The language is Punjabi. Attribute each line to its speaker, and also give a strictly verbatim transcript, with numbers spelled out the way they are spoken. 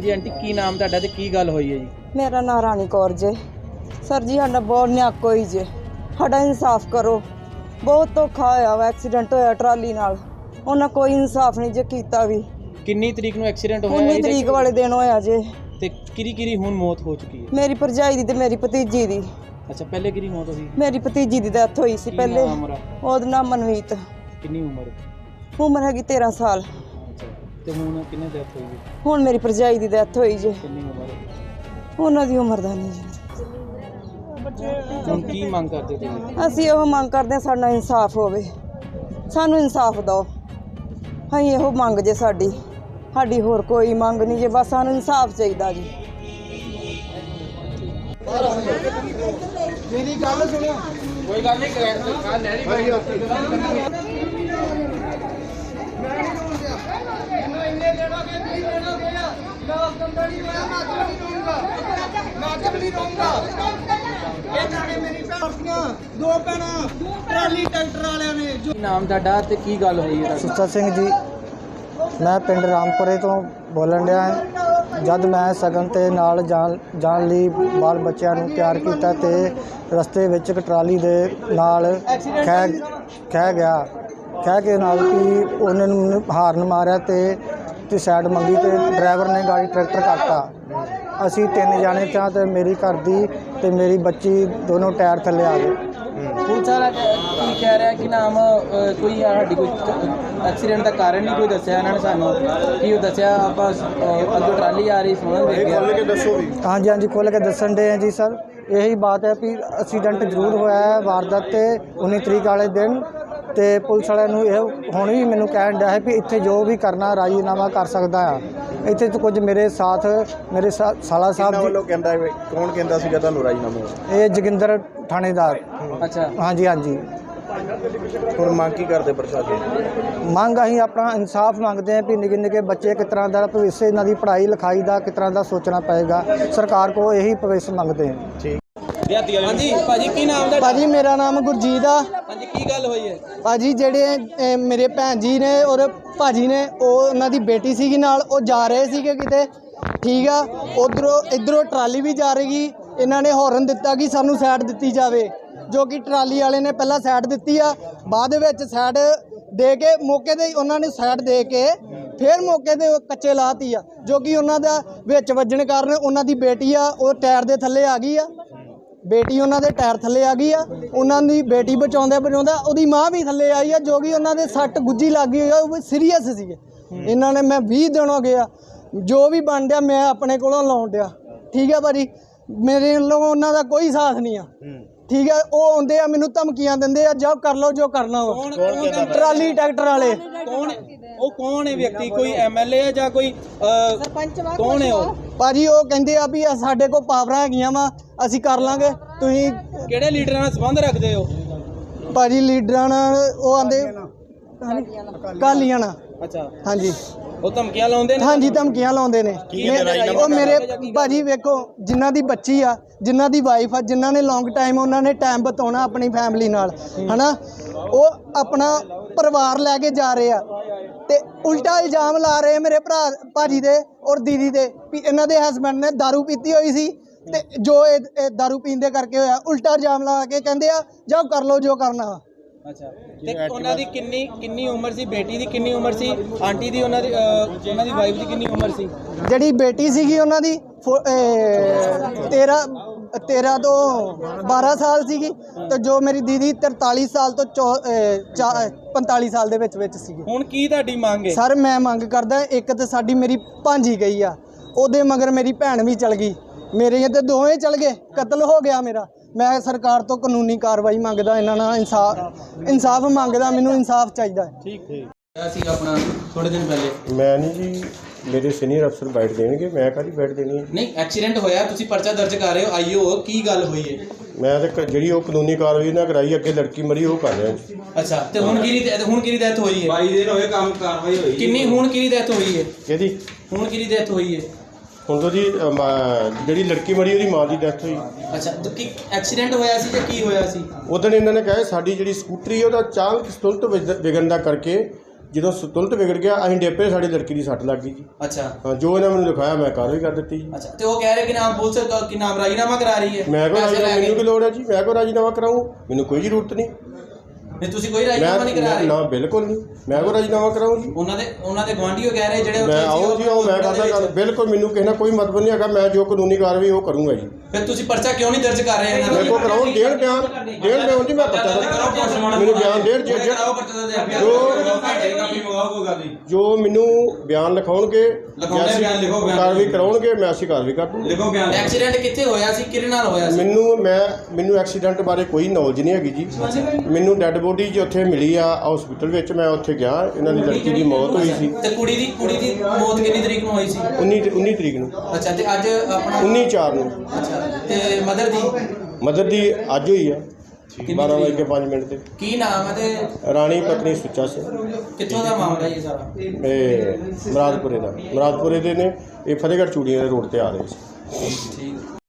Speaker 1: जी आंटी की नाम तुहाडा ते की गल होई है जी?
Speaker 2: मेरा नाम रानी कौर जे। सर जी साडा बहुत न्याक होई जे, साडा इंसाफ करो। बहुत धोखा होया वा, एक्सीडेंट होया ट्राली नाल, उन्हां कोई इंसाफ नहीं जे कीता भी।
Speaker 1: किन्नी तरीक नूं एक्सीडेंट होया?
Speaker 2: उन्नी तरीक वाले दिन होया जे।
Speaker 1: ते किरी किरी हुण मौत हो चुकी है?
Speaker 2: मेरी भरजाई दी ते मेरी भतीजी दी।
Speaker 1: अच्छा, पहले किरी मौत होई?
Speaker 2: मेरी भतीजी दी डेथ होई सी पहले। ओहदा नाम मनवीत।
Speaker 1: किन्नी उम्र?
Speaker 2: उम्र हैगी तेरह साल।
Speaker 1: अच्छा, ते हुण किन्ने डेथ होई?
Speaker 2: हुण मेरी भरजाई दी डेथ होई जे।
Speaker 1: किन्नी उम्र?
Speaker 2: उन्हां दी उम्र दा नहीं जी।
Speaker 1: ਹੁਣ ਕੀ ਮੰਗ ਕਰਦੇ ਤੁਸੀਂ?
Speaker 2: ਅਸੀਂ ਇਹੋ ਮੰਗ ਕਰਦੇ ਹਾਂ ਸਾਡਾ ਇਨਸਾਫ ਹੋਵੇ, ਸਾਨੂੰ ਇਨਸਾਫ ਦਿਓ। ਅਸੀਂ ਇਹੋ ਮੰਗ ਜੇ ਸਾਡੀ ਸਾਡੀ ਹੋਰ ਕੋਈ ਮੰਗ ਨਹੀਂ ਜੇ, ਬਸ ਸਾਨੂੰ ਇਨਸਾਫ ਚਾਹੀਦਾ ਜੀ।
Speaker 3: ਮੇਰੀ ਗੱਲ ਸੁਣੋ,
Speaker 1: ਕੋਈ ਗੱਲ ਨਹੀਂ ਕੱਲ ਲੈ ਲਈ
Speaker 3: ਇੰਨੇ ਦੇਣੋਗੇ ਨਹੀਂ ਦੇਣੋਗੇ ਮੈਂ ਆਪ ਨਹੀਂ ਹੋਇਆ ਮੈਂ ਆਪ ਨਹੀਂ ਰਹੂੰਗਾ ਮੈਂ ਆਪ ਨਹੀਂ ਰਹੂੰਗਾ। ਇਹਨਾਂ ਨੇ ਮੇਰੀ ਭੈਣਾਂ ਦੋ ਭੈਣਾਂ ਟਰਾਲੀ ਟਰੈਕਟਰ ਵਾਲਿਆਂ ਨੇ ਜੋ
Speaker 1: ਨਾਮ ਤੁਹਾਡਾ ਤੇ ਕੀ ਗੱਲ ਹੋਈ ਹੈ?
Speaker 4: ਸੁੱਚਾ ਸਿੰਘ ਜੀ, ਮੈਂ ਪਿੰਡ ਰਾਮਪੁਰੇ ਤੋਂ ਬੋਲਣ ਡਿਆ ਹਾਂ। ਜਦ ਮੈਂ ਸਗਨ ਤੇ ਨਾਲ ਜਾਣ ਜਾਣ ਲਈ ਬਾਲ ਬੱਚਿਆਂ ਨੂੰ ਤਿਆਰ ਕੀਤਾ ਤੇ ਰਸਤੇ ਵਿੱਚ ਇੱਕ ਟਰਾਲੀ ਦੇ ਨਾਲ ਖਹਿ ਖਹਿ ਗਿਆ ਖਹਿ ਕੇ ਨਾਲ ਕਿ ਉਹਨਾਂ ਨੂੰ ਹਾਰਨ ਮਾਰਿਆ ਤੇ ਤੇ ਸਾਈਡ ਮੰਗੀ ਤੇ ਡਰਾਈਵਰ ਨੇ ਗਾੜੀ ਟਰੈਕਟਰ ਕੱਟਤਾ। ਅਸੀਂ ਤਿੰਨ ਜਾਣੇ ਚਾਂ ਤੇ ਮੇਰੀ ਘਰ ਦੀ ਤੇ ਮੇਰੀ ਬੱਚੀ ਦੋਨੋਂ ਟਾਇਰ ਥੱਲੇ ਆ ਗਏ।
Speaker 1: ਪੁਲਿਸ ਵਾਲਾ ਕੀ ਕਹਿ ਰਿਹਾ ਕਿ ਨਾਮ ਕੋਈ ਸਾਡੀ ਕੋਈ ਐਕਸੀਡੈਂਟ ਦਾ ਕਾਰਨ ਨਹੀਂ ਕੋਈ ਦੱਸਿਆ ਇਹਨਾਂ ਨੇ ਸਾਨੂੰ? ਕੀ ਉਹ ਦੱਸਿਆ ਆਪਾਂ ਅੱਗੇ ਟਰਾਲੀ ਆ ਰਹੀ ਸੁਣਨ ਵੇਖ ਗਿਆ?
Speaker 4: ਹਾਂਜੀ ਹਾਂਜੀ ਖੁੱਲ੍ਹ ਕੇ ਦੱਸਣ ਦੇ ਆ ਜੀ ਸਰ। ਇਹੀ ਬਾਤ ਹੈ ਵੀ ਐਕਸੀਡੈਂਟ ਜ਼ਰੂਰ ਹੋਇਆ ਹੈ ਵਾਰਦਾਤ ਤੇ ਉੱਨੀ ਤਰੀਕ ਵਾਲੇ ਦਿਨ, ਤੇ ਪੁਲਿਸ ਵਾਲਿਆਂ ਨੂੰ ਇਹ ਹੁਣ ਵੀ ਮੈਨੂੰ ਕਹਿਣ ਡਿਆ ਹੈ ਵੀ ਇੱਥੇ ਜੋ ਵੀ ਕਰਨਾ ਰਾਜੀਨਾਮਾ ਕਰ ਸਕਦਾ ਆ। ਇੱਥੇ ਤੋਂ ਕੁਝ ਮੇਰੇ ਸਾਥ ਮੇਰੇ ਸਾਲਾ ਸਾਹਿਬ
Speaker 5: ਵੱਲੋਂ ਕਹਿੰਦਾ ਕੌਣ ਕਹਿੰਦਾ ਸੀਗਾ ਤੁਹਾਨੂੰ ਰਾਜੀਨਾਮਾ?
Speaker 4: ਇਹ ਜੋਗਿੰਦਰ ਥਾਣੇਦਾਰ।
Speaker 1: ਅੱਛਾ,
Speaker 4: ਹਾਂਜੀ ਹਾਂਜੀ।
Speaker 5: ਹੁਣ ਮੰਗ ਕੀ ਕਰਦੇ ਪ੍ਰਸ਼ਾਸਨ?
Speaker 4: ਮੰਗ ਅਸੀਂ ਆਪਣਾ ਇਨਸਾਫ ਮੰਗਦੇ ਹਾਂ ਵੀ ਨਿੱਕੇ ਨਿੱਕੇ ਬੱਚੇ ਕਿਸ ਤਰ੍ਹਾਂ ਦਾ ਭਵਿੱਖ ਇਹਨਾਂ ਦੀ ਪੜ੍ਹਾਈ ਲਿਖਾਈ ਦਾ ਕਿਸ ਤਰ੍ਹਾਂ ਦਾ ਸੋਚਣਾ ਪਏਗਾ। ਸਰਕਾਰ ਕੋਲ ਇਹੀ ਭਵਿੱਖ ਮੰਗਦੇ ਹਾਂ।
Speaker 5: ਠੀਕ।
Speaker 1: ਹਾਂਜੀ ਭਾਜੀ, ਕੀ ਨਾਮ ਦਾ?
Speaker 6: ਭਾਜੀ ਮੇਰਾ ਨਾਮ ਗੁਰਜੀਤ ਆ।
Speaker 1: ਹਾਂਜੀ, ਕੀ ਗੱਲ ਹੋਈ ਹੈ?
Speaker 6: ਭਾਜੀ ਜਿਹੜੇ ਅਹ, ਮੇਰੇ ਭੈਣ ਜੀ ਨੇ ਔਰ ਭਾਜੀ ਨੇ, ਉਹ ਉਹਨਾਂ ਦੀ ਬੇਟੀ ਸੀਗੀ ਨਾਲ, ਉਹ ਜਾ ਰਹੇ ਸੀਗੇ ਕਿਤੇ, ਠੀਕ ਆ। ਉਧਰੋਂ ਇੱਧਰੋਂ ਟਰਾਲੀ ਵੀ ਜਾ ਰਹੀ। ਇਹਨਾਂ ਨੇ ਹੌਰਨ ਦਿੱਤਾ ਕਿ ਸਾਨੂੰ ਸਾਈਡ ਦਿੱਤੀ ਜਾਵੇ, ਜੋ ਕਿ ਟਰਾਲੀ ਵਾਲੇ ਨੇ ਪਹਿਲਾਂ ਸਾਈਡ ਦਿੱਤੀ ਆ, ਬਾਅਦ ਵਿੱਚ ਸਾਈਡ ਦੇ ਕੇ ਮੌਕੇ 'ਤੇ ਉਹਨਾਂ ਨੇ ਸਾਈਡ ਦੇ ਕੇ ਫਿਰ ਮੌਕੇ 'ਤੇ ਕੱਚੇ ਲਾਤੀ ਆ, ਜੋ ਕਿ ਉਹਨਾਂ ਦਾ ਵਿੱਚ ਵੱਜਣ ਕਾਰਨ ਉਹਨਾਂ ਦੀ ਬੇਟੀ ਆ ਉਹ ਟਾਇਰ ਦੇ ਥੱਲੇ ਆ ਗਈ ਆ। ਬੇਟੀ ਉਹਨਾਂ ਦੇ ਟਾਇਰ ਥੱਲੇ ਆ ਗਈ ਆ। ਉਹਨਾਂ ਦੀ ਬੇਟੀ ਬਚਾਉਂਦੇ ਬਚਾਉਂਦਾ ਉਹਦੀ ਮਾਂ ਵੀ ਥੱਲੇ ਆਈ ਆ, ਜੋ ਕਿ ਉਹਨਾਂ ਦੇ ਸੱਟ ਗੁੱਜੀ ਲੱਗ ਗਈ ਆ, ਉਹ ਸੀਰੀਅਸ ਸੀਗੇ। ਇਹਨਾਂ ਨੇ ਮੈਂ ਵੀਹ ਦਿਨ ਹੋ ਗਏ ਆ, ਜੋ ਵੀ ਬਣ ਡਿਆ ਮੈਂ ਆਪਣੇ ਕੋਲੋਂ ਲਾਉਣ ਡਿਆ, ਠੀਕ ਆ ਭਾਜੀ। ਮੇਰੇ ਵੱਲੋਂ ਉਹਨਾਂ ਦਾ ਕੋਈ ਸਾਥ ਨਹੀਂ ਆ, ਠੀਕ ਹੈ। ਉਹ ਆਉਂਦੇ ਆ ਮੈਨੂੰ ਧਮਕੀਆਂ ਦਿੰਦੇ ਆ, ਜਾਓ ਕਰ ਲਓ ਜੋ ਕਰਨਾ ਵਾ। ਟਰਾਲੀ ਟਰੈਕਟਰ ਵਾਲੇ
Speaker 1: ਕੌਣ? ਉਹ ਕੌਣ ਹੈ ਵਿਅਕਤੀ? ਕੋਈ ਐਮਐਲਏ ਹੈ ਜਾਂ ਕੋਈ ਸਰਪੰਚ? ਕੌਣ ਹੈ ਉਹ
Speaker 6: ਭਾਜੀ? ਉਹ ਕਹਿੰਦੇ ਆ ਵੀ ਸਾਡੇ ਕੋਲ ਪਾਵਰਾਂ ਹੈਗੀਆਂ ਵਾ, ਅਸੀਂ ਕਰ ਲਾਂਗੇ। ਤੁਸੀਂ
Speaker 1: ਕਿਹੜੇ ਲੀਡਰਾਂ ਨਾਲ ਸੰਬੰਧ ਰੱਖਦੇ ਹੋ?
Speaker 6: ਭਾਜੀ ਲੀਡਰਾਂ ਨਾਲ ਉਹ ਆਂਦੇ ਕਾਲੀਆਂ ਨਾਲ।
Speaker 1: ਅੱਛਾ,
Speaker 6: ਹਾਂਜੀ।
Speaker 1: ਉਹ ਧਮਕੀਆਂ ਲਾਉਂਦੇ ਨੇ?
Speaker 6: ਹਾਂਜੀ, ਧਮਕੀਆਂ ਲਾਉਂਦੇ ਨੇ। ਉਹ ਮੇਰੇ ਭਾਜੀ ਵੇਖੋ, ਜਿਨ੍ਹਾਂ ਦੀ ਬੱਚੀ ਆ, ਜਿਨ੍ਹਾਂ ਦੀ ਵਾਈਫ ਆ, ਜਿਨ੍ਹਾਂ ਨੇ ਲੌਂਗ ਟਾਈਮ ਉਹਨਾਂ ਨੇ ਟਾਈਮ ਬਿਤਾਉਣਾ ਆਪਣੀ ਫੈਮਿਲੀ ਨਾਲ, ਹਨਾ, ਉਹ ਆਪਣਾ ਪਰਿਵਾਰ ਲੈ ਕੇ ਜਾ ਰਹੇ ਆ ਤੇ ਉਲਟਾ ਇਲਜ਼ਾਮ ਲਾ ਰਹੇ ਮੇਰੇ ਭਰਾ ਭਾਜੀ ਦੇ ਔਰ ਦੀਦੀ ਦੇ ਵੀ ਇਹਨਾਂ ਦੇ ਹਸਬੈਂਡ ਨੇ ਦਾਰੂ ਪੀਤੀ ਹੋਈ ਸੀ ਤੇ ਜੋ ਇਹ ਦਾਰੂ ਪੀਣ ਦੇ ਕਰਕੇ ਹੋਇਆ। ਉਲਟਾ ਇਲਜ਼ਾਮ ਲਾ ਕੇ ਕਹਿੰਦੇ ਆ ਜਾਓ ਕਰ ਲਓ ਜੋ ਕਰਨਾ ਵਾ।
Speaker 1: ਅੱਛਾ, ਤੇ ਉਹਨਾਂ ਦੀ ਕਿੰਨੀ ਕਿੰਨੀ ਉਮਰ ਸੀ? ਬੇਟੀ ਦੀ ਕਿੰਨੀ ਉਮਰ ਸੀ? ਆਂਟੀ ਦੀ, ਉਹਨਾਂ ਦੀ ਉਹਨਾਂ ਦੀ ਵਾਈਫ ਦੀ ਕਿੰਨੀ ਉਮਰ ਸੀ?
Speaker 6: ਜਿਹੜੀ ਬੇਟੀ ਸੀਗੀ ਉਹਨਾਂ ਦੀ ਤੇਰ੍ਹਾਂ ਤੇਰ੍ਹਾਂ ਤੋਂ ਬਾਰਾਂ ਸਾਲ ਸੀਗੀ, ਤੇ ਜੋ ਮੇਰੀ ਦੀਦੀ ਤਰਤਾਲੀ ਸਾਲ ਤੋਂ ਪੰਤਾਲੀ ਸਾਲ ਦੇ ਵਿੱਚ ਵਿੱਚ ਸੀਗੀ।
Speaker 1: ਹੁਣ ਕੀ ਤੁਹਾਡੀ ਮੰਗ ਹੈ?
Speaker 6: ਸਰ ਮੈਂ ਮੰਗ ਕਰਦਾ, ਇੱਕ ਤਾਂ ਸਾਡੀ ਮੇਰੀ ਭਾਂਜੀ ਗਈ ਆ, ਉਹਦੇ ਮਗਰ ਮੇਰੀ ਭੈਣ ਵੀ ਚਲ ਗਈ, ਮੇਰੇ ਤੇ ਦੋਵੇਂ ਚਲ ਗਏ, ਕਤਲ ਹੋ ਗਿਆ ਮੇਰਾ। ਮੈਂ ਸਰਕਾਰ ਤੋਂ ਕਾਨੂੰਨੀ ਕਾਰਵਾਈ ਮੰਗਦਾ, ਇਹਨਾਂ ਨਾਲ ਇਨਸਾਫ ਇਨਸਾਫ ਮੰਗਦਾ, ਮੈਨੂੰ ਇਨਸਾਫ ਚਾਹੀਦਾ।
Speaker 1: ਠੀਕ ਠੀਕ ਅਸੀਂ ਆਪਣਾ ਥੋੜੇ ਦਿਨ ਪਹਿਲੇ
Speaker 5: ਮੈਂ ਨਹੀਂ ਜੀ, ਮੇਰੇ ਸੀਨੀਅਰ ਅਫਸਰ ਬੈਠ ਦੇਣਗੇ, ਮੈਂ ਕਾਹਦੀ ਬੈਠ ਦੇਣੀ ਹੈ?
Speaker 1: ਨਹੀਂ, ਐਕਸੀਡੈਂਟ ਹੋਇਆ, ਤੁਸੀਂ ਪਰਚਾ ਦਰਜ ਕਰ ਰਹੇ ਹੋ, ਆਈਓ ਕੀ ਗੱਲ ਹੋਈ ਹੈ?
Speaker 5: ਮੈਂ ਤਾਂ ਜਿਹੜੀ ਉਹ ਕਾਨੂੰਨੀ ਕਾਰਵਾਈ ਨਾ ਕਰਾਈ, ਅੱਗੇ ਲੜਕੀ ਮਰੀ ਉਹ ਕਰ ਰਿਹਾ।
Speaker 1: ਅੱਛਾ, ਤੇ ਹੁਣ ਕਿਹਦੀ ਹੁਣ ਕਿਹਦੀ ਡੈਥ ਹੋਈ ਹੈ? ਬਾਈ ਦਿਨ ਹੋਏ ਕੰਮ ਕਾਰਵਾਈ ਹੋਈ ਕਿੰਨੀ? ਹੁਣ ਕਿਹਦੀ ਡੈਥ ਹੋਈ ਹੈ?
Speaker 5: ਕਿਹਦੀ?
Speaker 1: ਹੁਣ ਕਿਹਦੀ ਡੈਥ ਹੋਈ ਹੈ?
Speaker 5: ਹੁਣ ਤੋਂ ਜੀ ਜਿਹੜੀ ਲੜਕੀ ਮਰੀ ਉਹਦੀ ਮਾਂ ਦੀ ਡੈਥ ਹੋਈ।
Speaker 1: ਅੱਛਾ, ਤਾਂ ਕੀ ਐਕਸੀਡੈਂਟ ਹੋਇਆ ਸੀ ਜਾਂ ਕੀ ਹੋਇਆ ਸੀ?
Speaker 5: ਉਦੋਂ ਇਹਨਾਂ ਨੇ ਕਿਹਾ ਸਾਡੀ ਜਿਹੜੀ ਸਕੂਟਰੀ ਉਹਦਾ ਅਚਾਨਕ ਸਤੁਲਤ ਵਿਗੜਨ ਦਾ ਕਰਕੇ ਜਦੋਂ ਸੰਤੁਲਿਤ ਵਿਗੜ ਗਿਆ ਅਸੀਂ ਡੇਪੇ, ਸਾਡੀ ਲੜਕੀ ਦੀ ਸੱਟ ਲੱਗ ਗਈ ਜੀ।
Speaker 1: ਅੱਛਾ
Speaker 5: ਹਾਂ, ਜੋ ਇਹਨਾਂ ਮੈਨੂੰ ਲਿਖਾਇਆ ਮੈਂ ਕਾਰਵਾਈ ਕਰ ਦਿੱਤੀ ਜੀ।
Speaker 1: ਅੱਛਾ ਤੇ ਉਹ ਕਹਿ ਰਹੇ ਕਿ ਨਾਮ ਪੁਲਿਸ ਕ- ਕਿ ਨਾਮ ਰਾਜੀਨਾਮਾ ਕਰਾ ਰਹੀ ਹੈ।
Speaker 5: ਮੈਂ ਕੋਈ
Speaker 1: ਪੈਸੇ ਲੈ
Speaker 5: ਰਾਜੀਨਾਮਾ,
Speaker 1: ਕੇ।
Speaker 5: ਮੈਨੂੰ ਕੀ ਲੋੜ ਹੈ ਜੀ, ਮੈਂ ਕੋਈ ਰਾਜੀਨਾਮਾ ਕਰਾਊਂ? ਮੈਨੂੰ ਕੋਈ ਜ਼ਰੂਰਤ ਨਹੀਂ।
Speaker 1: ਨਹੀਂ ਤੁਸੀਂ ਕੋਈ ਰਾਜੀਨਾਮਾ ਨਹੀਂ ਕਰਾ
Speaker 5: ਮੈਂ
Speaker 1: ਰਹੇ।
Speaker 5: ਨਾ ਬਿਲਕੁਲ ਨਹੀਂ, ਮੈਂ ਕੋਈ ਰਾਜੀਨਾਮਾ ਕਰਾਊਂ ਜੀ?
Speaker 1: ਉਹਨਾਂ ਦੇ ਉਹਨਾਂ ਦੇ ਗੁਆਂਢੀਓ ਕਹਿ ਰਹੇ ਜਿਹੜੇ ਉੱਥੇ
Speaker 5: ਮੈਂ
Speaker 1: ਸੀ,
Speaker 5: ਆਓ ਜੀ ਆਓ, ਮੈਂ ਕਰਦਾ ਗੱਲ, ਬਿਲਕੁਲ ਮੈਨੂੰ ਕਿਸੇ ਨਾਲ ਕੋਈ ਮਤਲਬ ਨਹੀਂ ਹੈਗਾ। ਮੈਂ ਜੋ ਕਾਨੂੰਨੀ ਕਾਰਵਾਈ ਉਹ ਕਰੂੰਗਾ ਜੀ।
Speaker 1: ਫਿਰ ਤੁਸੀਂ ਪਰਚਾ ਕਿਉਂ ਨਹੀਂ ਦਰਜ ਕਰ ਰਹੇ ਇਹਨਾਂ
Speaker 5: ਮੇਰੇ
Speaker 1: ਦਾ?
Speaker 5: ਕੋਲ ਕਰਾਉਣ ਦੇਣ ਬਿਆਨ ਦੇਣ ਬਿਆਨ ਜੀ, ਮੈਂ ਪਤਾ ਮੈਨੂੰ ਬਿਆਨ ਦੇਣ ਜੇ- ਜੇ- ਜੋ ਮੈਨੂੰ ਬਿਆਨ ਲਿਖਾਉਣਗੇ,
Speaker 1: ਲਿਖਾਉਂਦੇ ਬਿਆਨ ਲਿਖੋ, ਬਿਆਨ
Speaker 5: ਕਾਰਵਾਈ ਕਰਾਉਣਗੇ, ਮੈਂ ਅਸੀਂ ਕਾਰਵਾਈ ਕਰ ਦੂੰਗਾ।
Speaker 1: ਲਿਖੋ ਬਿਆਨ। ਐਕਸੀਡੈਂਟ ਕਿੱਥੇ ਹੋਇਆ ਸੀ, ਕਿਹਦੇ ਨਾਲ ਹੋਇਆ ਸੀ?
Speaker 5: ਮੈਨੂੰ ਮੈਂ ਮੈਨੂੰ ਐਕਸੀਡੈਂਟ ਬਾਰੇ ਕੋਈ ਨੌਲੇਜ ਨਹੀਂ ਹੈਗੀ ਜੀ। ਮੈਨੂੰ ਡੈੱਡ ਬੋਡੀ ਜੀ ਉੱਥੇ ਮਿਲੀ ਆ ਹਸਪੀਟਲ ਵਿੱਚ, ਮੈਂ ਉੱਥੇ ਗਿਆ, ਇਹਨਾਂ ਦੀ ਲੜਕੀ ਦੀ ਮੌਤ ਹੋਈ ਸੀ।
Speaker 1: ਤੇ ਕੁੜੀ ਦੀ ਕੁੜੀ ਦੀ ਮੌਤ ਕਿੰਨੀ ਤਰੀਕ ਨੂੰ ਹੋਈ ਸੀ?
Speaker 5: ਉੱਨੀ ਉੱਨੀ ਤਰੀਕ ਨੂੰ,
Speaker 1: ਅੱਛਾ ਤੇ ਅੱਜ ਆਪਣਾ
Speaker 5: ਉੱਨੀ ਚਾਰ ਨੂੰ।
Speaker 1: ਅੱਛਾ ਤੇ ਮਦਰ ਦੀ
Speaker 5: ਮਦਰ ਦੀ ਅੱਜ ਹੋਈ ਆ ਬਾਰਾਂ ਵਜੇ ਕੇ ਪੰਜ ਮਿੰਟ ਤੇ।
Speaker 1: ਕੀ ਨਾਮ ਹੈ ਤੇ
Speaker 5: ਰਾਣੀ ਪਤਨੀ ਸੁੱਚਾ ਸਿੰਘ,
Speaker 1: ਕਿੱਥੋਂ ਦਾ ਮਾਮਲਾ ਇਹ ਸਾਰਾ?
Speaker 5: ਇਹ ਮੁਰਾਦਪੁਰੇ ਦਾ ਮੁਰਾਦਪੁਰੇ ਦੇ ਨੇ, ਇਹ ਫਤਿਹਗੜ੍ਹ ਚੂੜੀਆਂ ਦੇ ਰੋਡ ਤੇ ਆ ਰਹੇ ਸੀ।
Speaker 1: ਠੀਕ